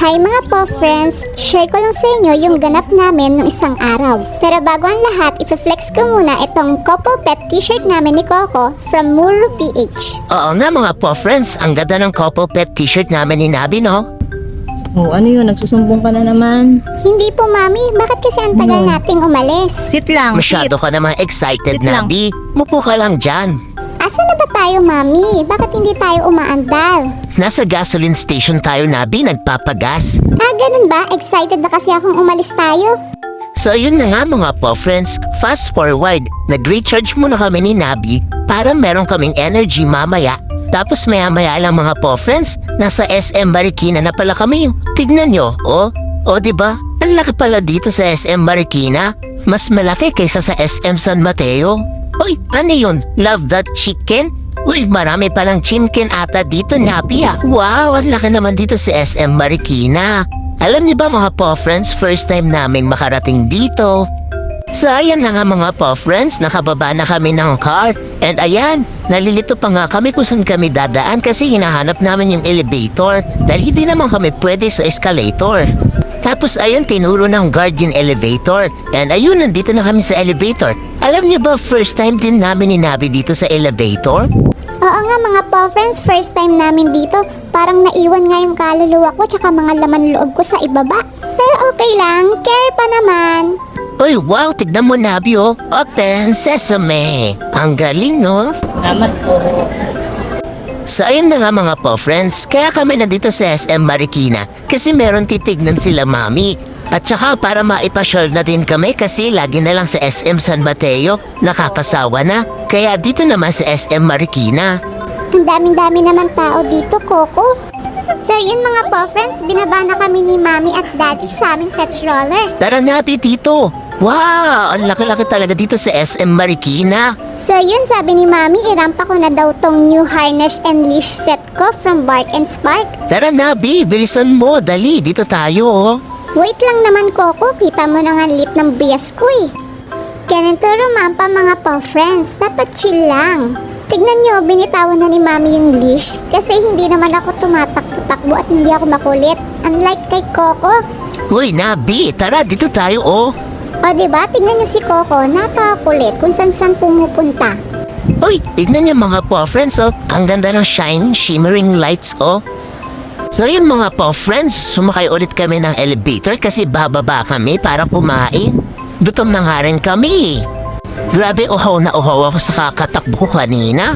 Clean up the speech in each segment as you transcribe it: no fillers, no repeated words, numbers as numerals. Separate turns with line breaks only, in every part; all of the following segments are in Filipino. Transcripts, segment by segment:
Hi mga po friends, share ko lang sa inyo yung ganap namin nung isang araw. Pero bago ang lahat, ife-flex ko muna itong couple pet t-shirt namin ni Coco from Muru PH.
Oo nga mga po friends, ang ganda ng couple pet t-shirt namin ni Nabi, no?
Oh, ano yun? Nagsusumbong ka na naman.
Hindi po mami, bakit kasi ang tagal nating umalis?
Sit lang,
Masyado ka naman excited,
Sit lang.
Nabi. Mupo ka lang dyan.
Asan na ba tayo mami? Bakit hindi tayo umaandar?
Nasa gasoline station tayo, Nabi, nagpapagas.
Ah, ganun ba? Excited na kasi akong umalis tayo.
So yun na nga mga po friends, fast forward, nag-recharge muna kami ni Nabi para meron kaming energy mamaya. Tapos maya-maya lang mga po friends, nasa SM Marikina na pala kami. Tignan nyo, oh diba? Ang laki pala dito sa SM Marikina. Mas malaki kaysa sa SM San Mateo. Uy, ano yun? Love that chicken? Uy, marami palang chicken ata dito, Nabi ah. Wow, ang laki naman dito sa SM Marikina. Alam niyo ba mga po friends, first time namin makarating dito. So ayan na nga mga po friends, nakababa na kami ng car. And ayan, nalilito pa nga kami kung saan kami dadaan kasi hinahanap namin yung elevator dahil hindi naman kami pwede sa escalator. Tapos ayun, tinuro ng guard yung elevator. And ayun, nandito na kami sa elevator. Alam niyo ba, first time din namin ni Nabi dito sa elevator?
Oo nga mga po friends, first time namin dito. Parang naiwan nga yung kaluluwa ko tsaka mga laman loob ko sa ibaba. Pero okay lang, care pa naman.
Uy, wow, tignan mo Nabi oh. Open sesame. Ang galing no?
Salamat po.
So ayun na nga mga po friends, kaya kami nandito sa SM Marikina kasi meron titignan sila mami. At saka para maipasyal na din kami kasi lagi na lang sa SM San Mateo, nakakasawa na. Kaya dito naman sa SM Marikina.
Ang daming-dami naman tao dito, Coco. So yun mga po friends, binaba na kami ni Mami at Daddy sa aming pet stroller.
Tara Nabi dito. Wow, ang laki-laki talaga dito sa SM Marikina.
So yun, sabi ni Mami, irampa ko na daw tong new harness and leash set ko from Bark and Spark.
Tara Nabi, bilisan mo, dali, dito tayo oh.
Wait lang naman, Coco, kita mo na nga lit ng bias ko eh. Ganito rumampa mga po friends, dapat chill lang. Tignan nyo, binitawan na ni Mami yung leash kasi hindi naman ako tumatakbo-takbo at hindi ako makulit. Unlike kay Coco.
Uy Nabi, tara dito tayo oh.
O diba, tignan nyo si Coco, napakakulit kung saan pumupunta.
Uy, tignan niyo mga po friends oh. Ang ganda ng shine, shimmering lights oh. So yun mga po friends, sumakay ulit kami ng elevator kasi bababa kami para kumain. Gutom na nga rin kami. Grabe, uhaw na uhaw ako sa kakatakbo ko kanina.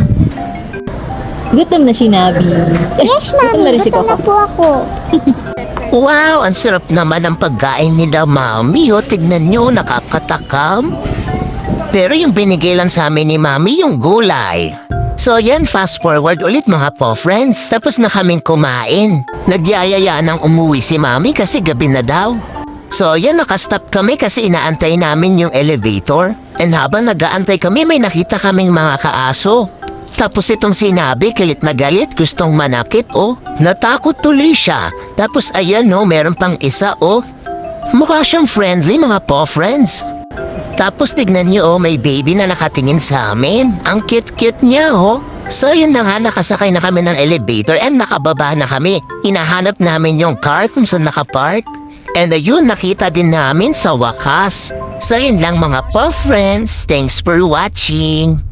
Gutom na si Nabi.
Yes,
Gutom na
Mami,
rin si
gutom na
Coco.
po ako.
Wow, ang sarap naman ng pagkain nila Mami oh. Tignan nyo, nakakatakam. Pero yung binigay lang sa amin ni Mami yung gulay. So yan, fast forward ulit mga po friends. Tapos na kaming kumain. Nagyayaya nang umuwi si Mami kasi gabi na daw. So yan, nakastop kami kasi inaantay namin yung elevator. And habang nag-aantay kami, may nakita kaming mga kaaso. Tapos itong sinabi, galit na galit, gustong manakit oh. Natakot tuloy siya. Tapos ayan oh, meron pang isa oh. Mukha siyang friendly mga po friends. Tapos tignan niyo oh, may baby na nakatingin sa amin. Ang cute-cute niya oh. So yun na nga, nakasakay na kami ng elevator and nakababa na kami. Hinahanap namin yung car kung saan nakapark. And ayun, nakita din namin sa wakas. So yun lang mga po friends. Thanks for watching.